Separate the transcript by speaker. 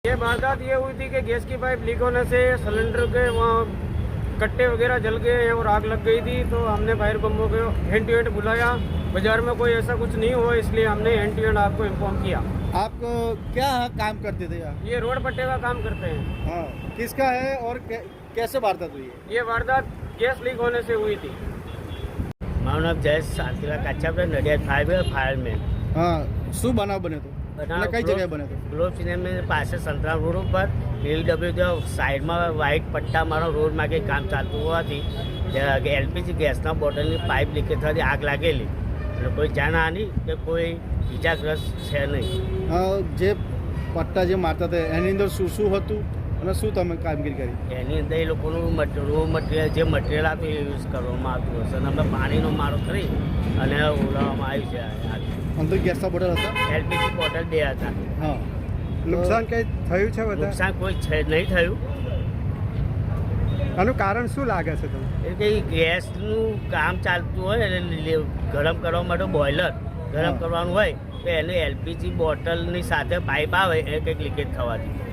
Speaker 1: ये वारदात ये हुई थी कि गैस की पाइप लीक होने से सिलेंडर के वहाँ कट्टे वगैरह जल गए हैं और आग लग गई थी। तो हमने फायर बम्बों को हैंड टू हैंड बुलाया। बाजार में कोई ऐसा कुछ नहीं हुआ, इसलिए हमने हैंड टू हैंड आपको इन्फॉर्म किया।
Speaker 2: आप क्या काम करते थे यहाँ?
Speaker 1: ये रोड पट्टे का काम करते हैं।
Speaker 2: हाँ, किसका है और कैसे वारदात हुई है?
Speaker 1: ये वारदात गैस लीक होने से हुई थी।
Speaker 3: મારું નામ જયેશ સાતીલા કાચાપરા નડિયાદ ફાયરમેન।
Speaker 2: हाँ, શું બનાવ બન્યો તો? એટલે કઈ જગ્યાએ બન્યો તો?
Speaker 3: ગ્લોબ સિનેમા પાસે સંતરામ રોડ ઉપર LW સાઈડમાં વ્હાઇટ પટ્ટા મારો રોડ માં કંઈ કામ ચાલતું હોવાથી LPG ગેસના બોટલની પાઇપ લીકેજ થવાથી આગ લાગેલી અને કોઈ જાનહાનિ કે કોઈ ઇજાગ્રસ્ત છે નહીં।
Speaker 2: જે પટ્ટા જે મારતા હતા એની અંદર શું શું હતું અને શું તમે કામગીરી કરી?
Speaker 3: એની અંદર એ લોકોનું રો મટીરિયલ જે મટીરિયલ હતું એ યુઝ કરવામાં આવતું હશે અને અમે પાણીનો મારો કરી અને ઓલાવવામાં આવ્યું છે।
Speaker 2: અંદર ગેસના બોટલ હતા?
Speaker 3: LPG બોટલ 2 હતા।
Speaker 2: હા,
Speaker 4: નુકસાન કંઈ થયું છે બધા?
Speaker 3: નુકસાન કોઈ નહીં થયું।
Speaker 4: આનું કારણ શું લાગે છે તમને?
Speaker 3: એ કંઈ ગેસનું કામ ચાલતું હોય એટલે ગરમ કરવા માટે બોઇલર ગરમ કરવાનું હોય તો એને LPG બોટલની સાથે પાઇપ આવે એ કંઈક લીકેજ થવાથી